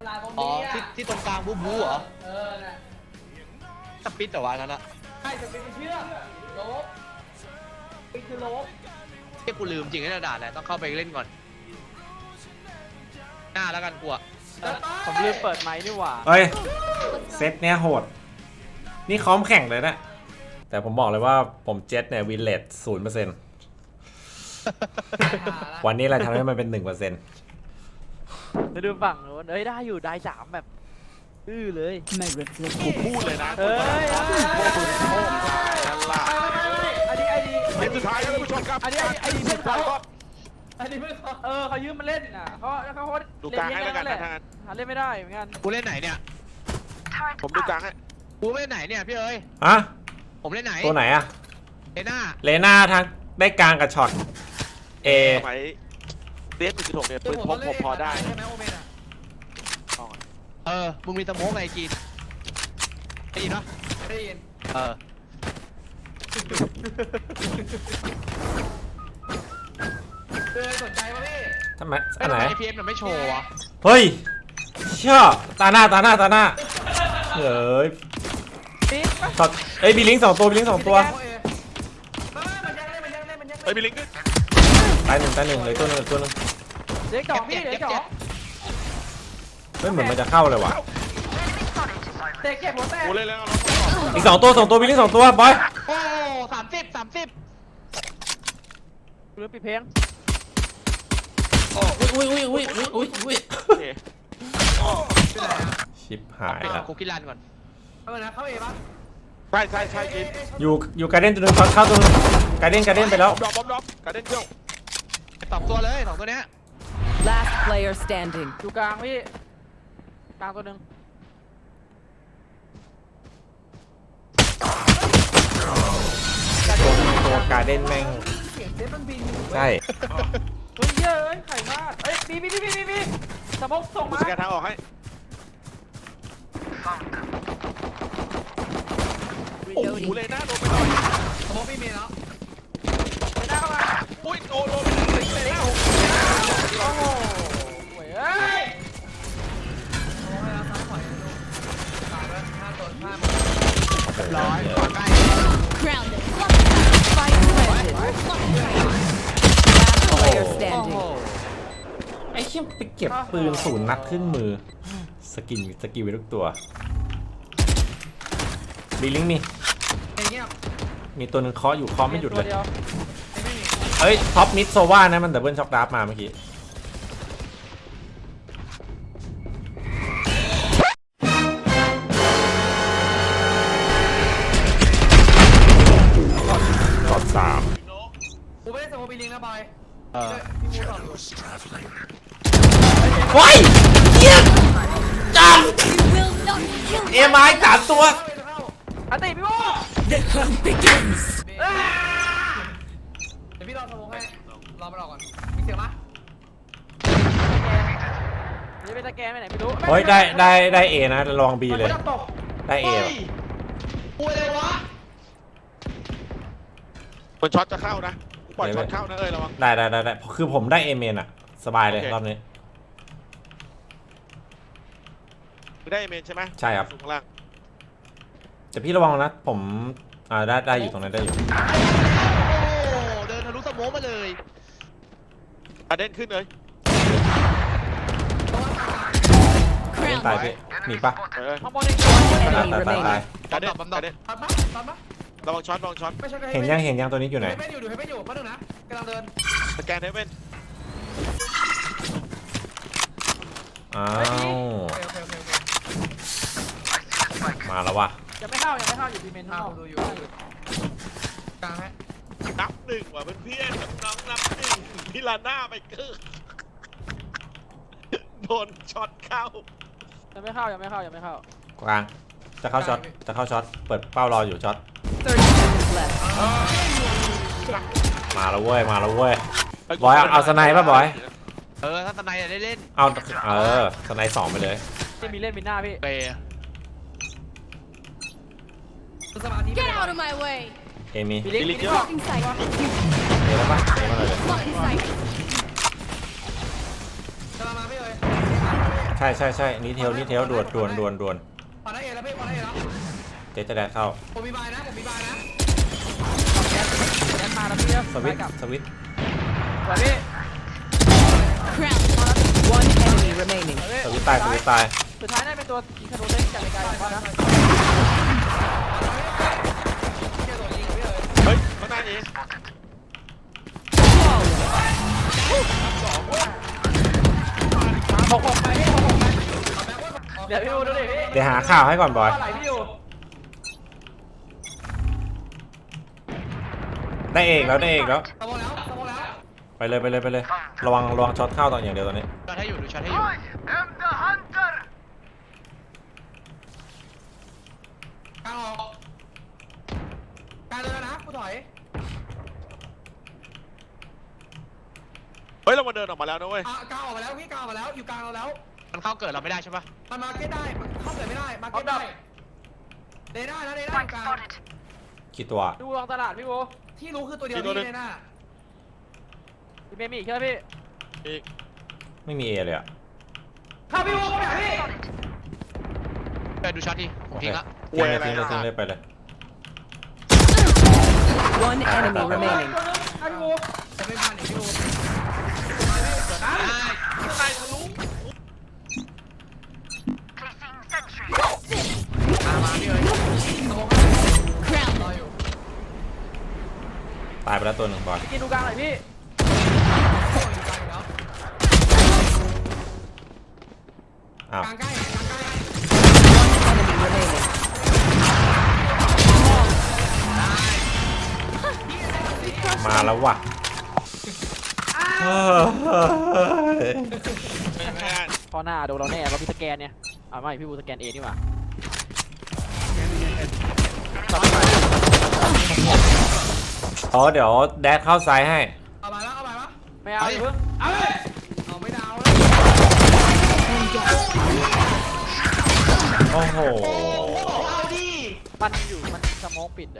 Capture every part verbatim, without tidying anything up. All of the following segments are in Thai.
ลาตรงอ๋อนี้ที่ที่ตรงกลางบูบูเหรอเออน่ะสปิดแต่ว่านั้นอะใช่จะเป็นเชือกโลบปิดคือโลบที่กูลืมจริงไอ้ด่าแหละต้องเข้าไปเล่นก่อนหน้าแล้วกันกูอะผมลืมเปิดไมค์นี่หว่าเฮ้ยเซตเนี้ยโหดนี่ค้อมแข่งเลยนะแต่ผมบอกเลยว่าผมเจ็ตเนี่ยวินเลตศูนย์เปอร์เซ็นต์วันนี้เราทำให้มันเป็นหนึ่งเปอร์เซ็นต์จะดูฝั่งโน้นเอ้ยได้อยู่ได้สามแบบอื้อเลยผมพูดเลยนะเฮ้ยนั่นล่ะอันนี้ไอดีเกมสุดท้ายครับท่านผู้ชมครับอันนี้ไอดีเพื่อนเขาก็อันนี้ไม่ขอเออเขายืมมาเล่นอ่ะเขาเขาเขาดูกลางให้แล้วกันนะทางนั้นหาเล่นไม่ได้เหมือนกันกูเล่นไหนเนี่ยผมดูกลางให้กูเล่นไหนเนี่ยพี่เอ้ยอะผมเล่นไหนตัวไหนอะเลน่าเลน่าทางได้กลางกับช็อตเอสมัยเดฟหนึ่งจุดหกเนี่ยปืนพกผมพอได้ใช่ไหมโอเมนอ่ะเออมึงมีสโมกไงกินได้ยินปะได้ยินเออเออสนใจป่ะพี่ทำไมไอ้อันทำไหนไม พี เอ็ม มันไม่โชว์วะเฮ้ยเชื่อตาหน้าตาหน้าตาหน้าเฮ้ยปี๊ดปะช็อตเอ้ยบีลิงสองตัวบีลิงสองตัวโอเอมันยังเล่นมันยังเล่นมันยังเฮ้เล่ยนมีลิงก์ด้วยตายหนึ่งตายหนึ่งเหลยตัวหนึงเหลือตัวหนึงเด็กสองพี่เด็กสองเฮ้ยเหมือนมันจะเข้าเลยว่ะเด็กเก็บหัวแตกกูเล่นแล้วเอาอีกสองตัวสองตัวบีลิงสองตัวบอยโอ้สามสิบสามสิบหรือปิดเพลงอุ้ยอุ้ยอุ้ยอุ้ยอุ้ยอุ้ยโอเคชิปหายละกูกินรันก่อนเอาเลยนะเข้าเอปะใช่ใช่ใช่กินอยู่อยู่การเด้นตัวหนึงช็อตเข้าตัวหนึงการเด้นการเด้นไปแล้วบอมบอมบอมการเด้นเที่ยวสองตัวเลยสองตัวเนี้ย Last player standing. อยู่กลางพี่กลางตัวหนึ่งตัวการเด้นแม่งเสียงเซฟมันบินอยู่ใช่เฮ้ยเยอะเอ้ยไข่มากเอ้ยบีบีบีบีบีสมองส่งกูมาสแกนทางออกให้โอ้โหเลยนะโดนไปหน่อยสมองพี่เมย์แล้วไปหน้าเข้ามาอุ้ยโดนโดนไปหนึ่งเลยแล้วโอ้โหเว้ยเอ้ยสมองให้เราซ้ายถอยนะลูกตายแล้วห้าตัวห้าร้อยใกล้ Grounded. Spike planted. Last player โอ้ standing. โหไอ้เชี่ยไปเก็บปืนศูนย์นัดขึ้นมือสกินสกิลไปทุกตัวบีลิงมีอย่างเงี้ยมีตัวหนึงเคาะอยู่เคาะไม่หยุดเลยตัววไม่มีเอ้ยท็อปมิดโซว่านะมันดับเบิลช็อคดาร์ฟมาเมื่อกี้ช็อตสามกูไม่ได้สมองบินลิงนะบอยเออพี่มูสอนอยู่ว้ายเยี่ยมจัง Will not kill เอ็มไอสามตัวเข้าไปเข้าอันติพี่โม่ The hunt begins. เดี๋ยวพี่รอสมองให้รอมันออกก่อนมีเสียงปะนี่เป็นสแกนไปไหนไม่รู้เฮ้ยได้ได้ได้เอนะลองบีเลยมันจะตกได้เอเฮ้ยกูเลยวะคนช็อตจะเข้านะกูปล่อยช็อตเข้านะเอ้ยระวังได้ได้ได้ได้คือผมได้เอเมนอะสบายเลยโอเครอบนี้ไม่ได้เมนใช่ไหมใช่ครับสูงข้างล่างแต่พี่ระวังนะผมอ่าได้ได้อยู่ตรงนั้นได้อยู่โอ้โหเดินทะลุสโมกมาเลยการเด้นขึ้นเลยเล่น Grounded. ตายพี่หนีปะเออข้างบนอีกตาย Enemy ตายตายตาย remaining. การเด้นบอมบกาอมรเด้นตัดปะตัดปะระวังช็อตระวังช็อตไม่ใช่ก็เห็นยังเห็นยังตัวนี้อยู่ไหนดูให้อยู่ดูให้อยู่มาหนึ่งนะกำลังเดินสแกนเฮเว่นอ้าวโอเคโอเคโอเคโอเคมาแล้ววะยังไม่เข้ายังไม่เข้าอยู่ดีเมนอ่าเข้าดูอยู่กลางฮะนับหนึ่งว่ะเพื่อนๆน้องนับหนึ่งพิลาน่าไปเกอร์โดนช็อตเข้ายังไม่เข้ายังไม่เข้ายังไม่เข้ากลางจะเข้าช็อตจะเข้าช็อตเปิดเป้ารออยู่ช็อต thirty seconds left. มาแล้วเว้ยมาแล้วเว้ย บอยเอาเอาสไนป์ป่ะบอยเออถ้าตะไนได้เล่นเอาเออสไนป์สองไปเลยที่มีเล่นมีหน้าพี่เปย์สมาธิ Get out of my way. เอมีมีลิงก์มีลิงก์ Blocking sight. เอแล้วปะเอมาเลย Blocking sight. กำลังมาไม่เลยใช่ใช่ใช่นี่เทลนี่เทลด่วนด่วนด่วนด่วนพอได้เอแล้วพี่พอได้เอแล้วเจ๊จะแดดเข้าผมมีบายนะผมมีบายนะแก๊สแก๊สมาแล้วพี่สวิตช์กลับสวิตช์สวยพี่ Crown. One enemy remaining. สวยสพี่วิตช์ตายสวิตช์ตายสุดท้ายน่าเป็นตัวยิงธนูเล่นจากไกลๆผมว่านะเกี่ยวตัวยิงพี่เอ๋ยเฮ้ยมาหน้าเองหกหกไปพี่หกหกไปเดี๋ยวพี่ดูดูดิพี่เดี๋ยวหาข่าวให้ก่อนบอยอะไรพี่อยู่ได้เอกแล้วได้เอกแล้วสมองแล้วสมองแล้วไปเลยไปเลยไปเลยระวังระวังช็อตเข้าตอนอย่างเดียวตอนนี้ช็อตให้อยู่ดูช็อตให้อยู่กลางออกกลางเลยนะกูถอยเฮ้ยเรามาเดินออกมาแล้วนะเว้ยอ่ะกลางออกมาแล้วพี่กลางออกมาแล้วอยู่กลางเราแล้วมันเข้าเกิดเราไม่ได้ใช่ปะมันมาเก็ตได้มันเข้าเกิดไม่ได้มาเก็ตได้เดน่านะเดน่าอยู่กลางกี่ตัวดูลองตลาดพี่โบที่รู้คือตัวเดียวนี่เดน่าพี่เมย์มีอีกใช่ไหมพี่อีกไม่มีเอเลยอ่ะเข้าพี่วูเข้าไปหาพี่ไปดูช็อตดิผมทิ้งละทิ้งเลยทิ้งเลยทิ้งเลยไปเลย One enemy remaining. เข้าพี่วูจะไม่พันอีกพี่วูได้ข้างในทะลุมามาพี่เอ้ย Crown. รออยู่ตายไปแล้วตัวหนึ่งบอยพี่กินดูกลางหน่อยพี่อยู่กลางอยู่แล้วอ้าวกลางใกล้กลางใกล้ Enemy remaining. มาแล้วว่ะเฮ้ยไม่ไม่ได้พอหน้าโดนเราแน่เราพี่สแกนเนี่ยอ่าไม่พี่บูสแกนเอนี่หว่าอ๋อเดี๋ยวแดดเข้าซ้ายให้เอามาแล้วเอามาแล้วไม่เอาอย่าเพิ่งเอาเลยเอาไม่ดาวแล้วโอ้โหเอาดิมันอยู่มันสโมกปิดอะ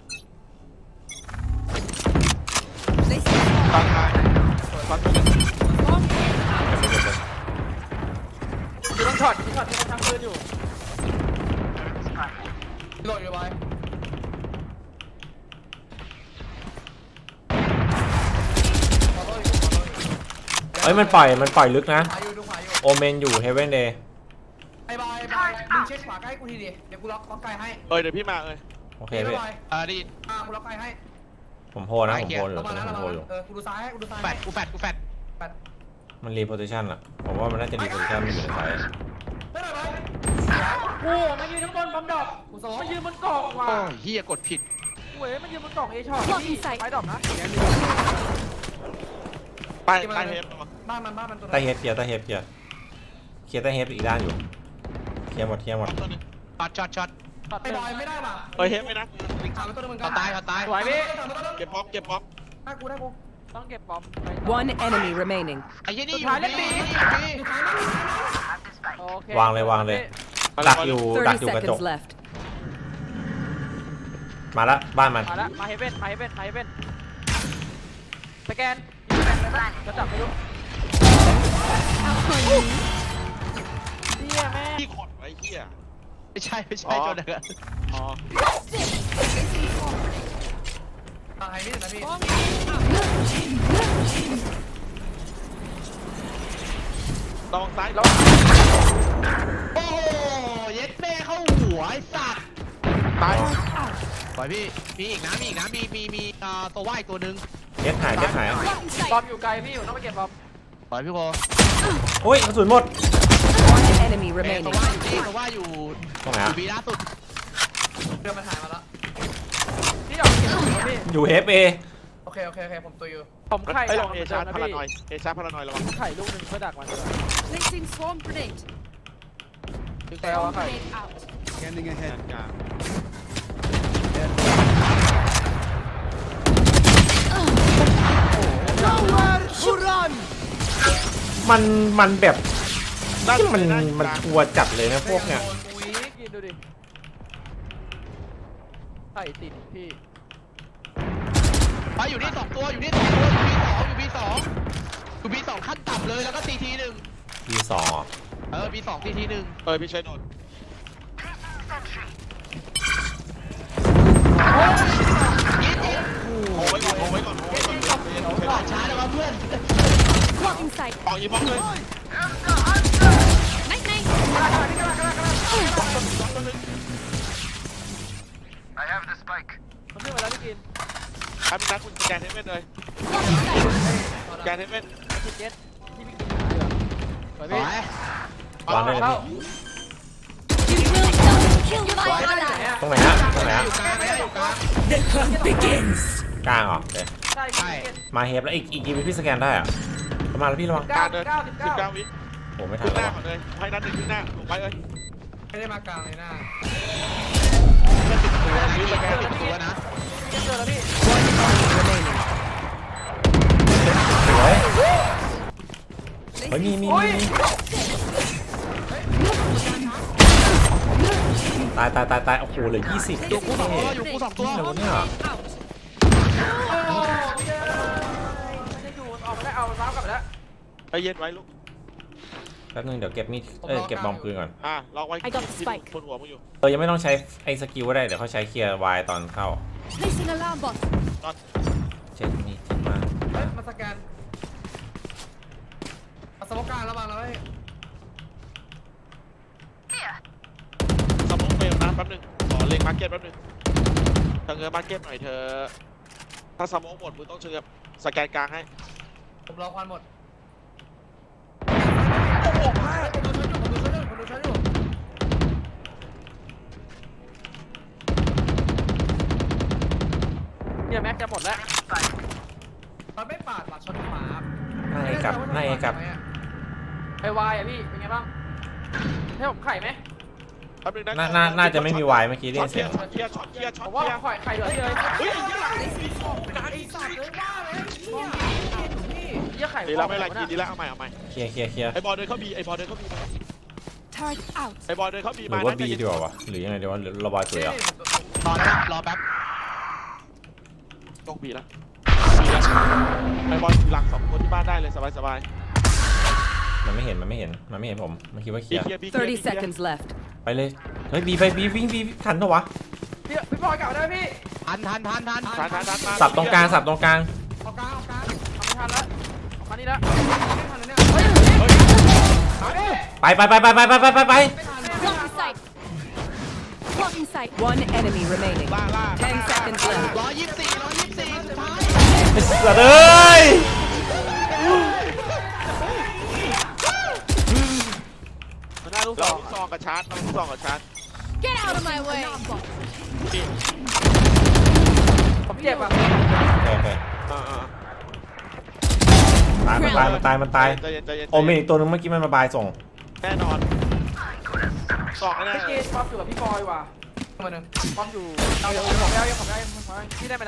ตั้งท้ายตั้งตัวอยู่ต้องช็อตที่ช็อตที่มันทำปืนอยู่โหลดอยู่บอยขอโทษอยู่ขอโทษอยู่เอ้ยมันปล่อยมันปล่อยลึกนะขวาอยู่ดูขวาอยู่โอเมนอยู่เฮเวนเดย์ไอ้บอยบอยมึงเช็คขวาใกล้กูทีดิเดี๋ยวกูล็อกล็อกไกลให้เอ้ยเดี๋ยวพี่มาเอ้ยโอเคพี่พี่บอยเออได้ยินอ่ากูล็อกไกลให้ผมโพลนะผมโพลอยู่เราตอมานนี้แล้วผมเราโพลมาอยู่เออกูดูซ้ายให้กูดูซ้ายแฟให้ดกูแฟดกูแฟดแปดมันรีโพซิชันอะผมว่ามันน่าจะรีโพซิชันมันอยู่ในซ้ายไม่ได้ไหมโอ้มันยืนข้างบนบอมดอกกูสองมันยืนบนกล่องว่ะโอ้ยเฮียกดผิดเว้ยมันยืนบนกล่องเอช็อตพี่ไปดอกนะไปไปเฮฟบ้านมันบ้านมันตัวใต้เฮดเคลียร์ใต้เฮดเคลียร์เคลียร์ใต้เฮดอีกด้านอยู่เคลียร์หมดเคลียร์หมดตัวนี้ช็อตช็อตช็อตช็อตไอ้หนึ่บงอยไม่ได้ป่ะเอ้ยเฮฟไหมนะถามไปตัวนึงเหมือนกัเขานตายเขาตายสวยพี่เก็บป๊อปเก็บป๊อปได้กูได้กูต้องเก็บบอม One enemy remaining. ไอ้ยี่นี่อยู่สุดท้ายเล่นปีนี่อยู่นี่อยู่ซ้ายมั้ยโอเควางเลยวางเลย ดักอยู่ดัก Thirty อยู่กระจก seconds left. มาละบ้านมันมาแล้วมาเฮเว่นมาเฮเว่นมาเฮเว่นสแกนจะจับไม่รู้เฮียแม่พี่ขดไว้เหี้ยไม่ใช่ไม่ใช่จนเดือดอ๋อตายนี่นะพี่ระวังซ้ายแล้วโอ้โหเย็ดแม่เข้าหัวไอ้สัตว์ตายปล่อยพี่มีอีกนะมีอีกนะมีมีมีเอ่อตัวว่ายตัวหนึ่งเฮดหายเฮดหาย Blocking บอม sight. อยู่ไกลพี่อยู่ต้องไปเก็บบอมปล่อยพี่โคโอ้ยกระสุนหมด One enemy เอ้ย remaining. ตัวว่ายอยู่นี่ตัวว่ายอยู่ตรงไหนออะยู่บีล่าสุดเรือมันหายมาแล้วพี่ออกเก็บอยู่พี่อยู่เฮฟเอโอเคโอเคโอเคผมตัวอยู่ผมไข่ไอ้ยลดัอก งมันเอเดิชาร์นดนะพาราพี่นอยเอชาร์ดพารานอยระวังไข่ลูกหนึ่งเพื่อดักมันเลย Placing swarm grenade. คือแปลว่าไข่ Grenade out. แทนกลางมันมันแบบด้านที่มันด้ามันกลางกลัวจัดเลยนะพวกเนี้ยอุ้ยกินดูดิไข่ติดพี่ไปอยู่นี่สองตัวอยู่นี่สองตัวอยู่บีสองอยู่บีสองอยู่บีสองขั้นต่ำเลยแล้วก็ตีทีหนึ่งทีสองเออมีสองทีทีหนึ่งเออพี่ช่วยโดนโอ้ไว้ก่อนโอ้ไว้ก่อนโอ้ไว้ก่อนหลอดช้าแล้วเพื่อน Blocking sight. ปองอีบล็อกเลย Night night. มันขึ้นมาแล้วพี่กินครับนักคุณสแกนเทปเมนเลย Blocking sight. สแกนเทปเมนพี่เจ็ดที่พี่กินสวยสพี่วยวางได้เลยเข้า You will not kill my ally. ตรงไหนฮะตรงไหนฮะอยู่กลางไม่ได้อยู่กลางกลางเหรอเดี๋ยวใช่พี่กินมาเฮฟแล้วอีกอีกกี่วิพี่สแกนได้อะประมาณแล้วพี่ระวังเก้าการเดินเก้าสิบสิบเก้าเก้าวิโอ้ไม่ทัขึ้นนหแล้วน้าก่อนเลยให้นัดหนึ่งขึ้นหน้าลงไปเอ้ยไม่ได้มากลางเลยหน้าตัวนะพี่สแกนติดตัวนะเจ็ดเจอแล้วพี่สวยเฮ้ยมีมีมีมีตายตายตายตายโอ้โหเหลือยี่สิบอยู่กูสองตัวอยู่กูสองตัวนี่เหรอวะเนี่ย Out. ไม่ได้อยู่ออกมาได้เอาซ้ำกลับไปแล้วใจเย็นไว้ลูกแป๊บนึงเดี๋ยวเก็บมีดเอ้ยเก็บบอมปืนก่อนอ่ะล็อกไว้ I got the spike บนหัวมึงอยู่เออยังไม่ต้องใช้ไอ้สกิลก็ได้เดี๋ยวเขาใช้เคลียร์วายตอนเข้า Placing alarm bot. เช็คนี่ทิ้งมาเฮ้ยมาสแกนเอาสมการระวังแล้วเฮ้ยสมองเฟลนะแป๊บนึงขอเล็งมาร์เก็ตแป๊บนึงเธอเงินมาร์เก็ตหน่อยเธอถ้าสมองหมดมึงต้องเชิญสแกนกลางให้ผมรอควันหมดโอ้โหผมดูชั้นอยู่ผมดูชั้นอยู่ผมดูชั้นอยู่เนี่ยแม็กจะหมดแล้วมันไม่ปาดบัตรชนขวาหน้าเอกับหน้าเอกับไอวายอ่ะพี่เป็นไงบ้างให้ผมไข่ไหมแป๊บนึงนะน่าน่าน่าจะไม่มีวายเมื่อกี้ได้ช็อยิตนเคลีเสียยงร์ช็อตเคลียร์ช็อตเคลียร์ช็อตผมว่าเคลียร์ไข่ไข่เหลือที่เลยเฮ้ยกาไอ้สัตว์เลยว่าเลยเนี่ยเยี่ยไข่ดีแล้วไม่เป็นไรกินดีแล้วเอาใหม่เอาใหม่เคลียร์เคลียร์เคลียร์ไอ้บอลเดินเข้าบีไอ้บอลเดินเข้าบีมา Turret out. ไอ้บอลเดินเข้าบีหมารือว่านะบีดีกว่าวะหรือยังไงดีวะหรือระบายตัวเหรอรอแล้วนะรอแป๊บต้องบีแล้วบีแล้วไอ้บอลอยู่หลังสองคนที่บ้านได้เลยสบายสบายมันไม่เห็นมันไม่เห็นมันไม่เห็นผมมันคิดว่าเคบีลียร์เคลียร์บีเคลียร์ thirty บีเคลียร์ seconds left. ไปเลยเฮ้ยบีไปบีวิ่งบีทันปะวะพี่พี่พลอยกลับมาได้ไหมพี่ทันทันทันทันทันทันทันมาสับตรงกลางสับตรงกลางเอากลางเอากลางทำไม่ทันแล้วออกมานี่แล้วไม่ทันเลยเนี่ยเฮ้ยไปไปไปไปไปไปไปไปไป Blocking sight. Blocking sight. One enemy remaining. ล่าล่า Ten seconds left. ร้อยยี่สิบสี่ร้อยยี่สิบสี่สุดท้ายไอ้สัตว์เอ้ยมันน่าลูกซองลูกซองกับชาร์จลูกซองกับชาร์จ Get out of my way. นี่ผมเจ็บอ่ะโอเคอ่าอ่าตายมันตายมันตายมันตายใจเย็นใจเย็นโอเมนอีกตัวนึงเมื่อกี้มันมาบายส่งแน่นอนซองแน่พี่กินความอยู่กับพี่พลอยว่ะมาหนึ่งความอยู่เอาเดี๋ยวผมเอายังผมเอายังผมเอาพี่ได้ไหมนะ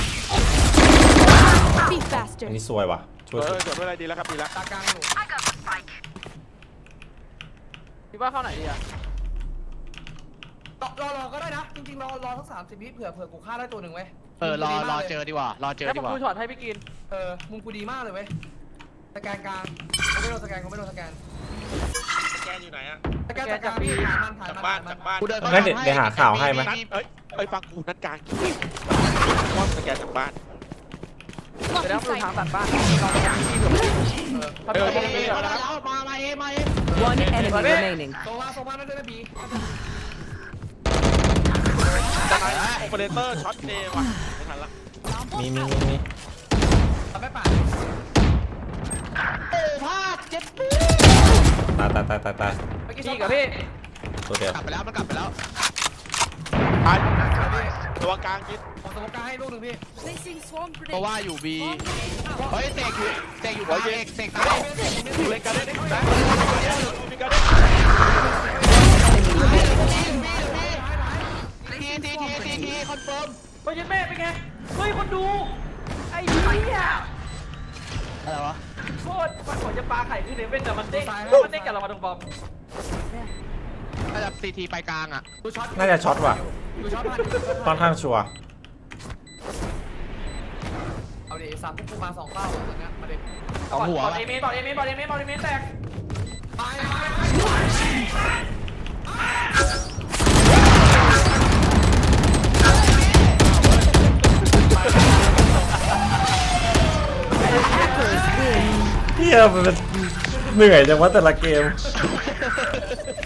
Be อั faster. นนี้ซวยว่ะช่เอวยอเกิดไม่อะไรดีแล้วครับดีแล้วตากลางอยู่พี่ว่าเข้าไหนดีอ่ะรอรอรอก็ได้นะ จริงๆรอรอสักสามสิบวิเผื่อเผื่อกูฆ่าได้ตัวหนึ่งเว้ยเออรอรอเจอดีกว่ารอเจอแล้วดีผมกว่าดูช็อตให้พี่กินเออมุมกูดีมากเลยเว้ยสแกนกลางกูไม่โดนสแกนกูไม่โดนสแกนแกอยู่ไหนอะสแกนจากกลางถ่ายมันถ่ายจากมันบ้านถ่ายมัจากบ้านกูเดินงั้นเดี๋ยวเดี๋ยวหาข่าวให้ไหมนัดเอ้ยเอ้ยฟังกูนัดกลางว่าสแกนจากบ้านเดี๋ยว Blocking ดูทาง sight. ตัดบ้านเราไปทางที่เผื่อเออเขาเอเดิอน เอไปอเรื่อยๆมาแล้วแล้วมามาเอมาเอ One enemy remaining. โซว่าโซว่านั่นด้วยนะบีจากไหนโอเปอเรเตอร์ช็อตเดย์ว่ะไม่ทันละมีมีมีมีทำไม่ปาดโอ้พลาดเจ็ดปีตายตายตายตายตายเมื่อกี้พี่กับพี่ตัวเดียวกลับไปแล้วมันกลับไปแล้วตายตัวกลางคิดผมสมการให้ลูกหนึ่งพี่ Placing swarm เพราะ grenade. ว่าอยู่บี Swarm grenade out. เฮ้ยเตกอยู่เตกอยู่กลางเอกเตกตายดูเล่นกันได้ได้นะมีกันได้ทีทีทีทีทีคอนเฟิร์มไปยันแม่เป็นไงเฮ้ยคนดูไอ้เหี้ยอะไรวะโคตรมันเหมือนจะปลาไข่ขึ้นในเว้นแต่มันเด้งมันเด้งกับเรามาตรงบอมน่าจะซีทีไปกลางอ่ะดูช็อตน่าจะช็อตว่ะดูช็อตผ่านค่อนข้างชัวร์เอาดิสามพวกกูมาสองเป้าตอนนี้มาดิสองหัวบอลเอเมนบอลเอเมนบอลเอเมนบอลเอเมนแตกตายฮียมันเหนื่อยจังวะแต่ละเกม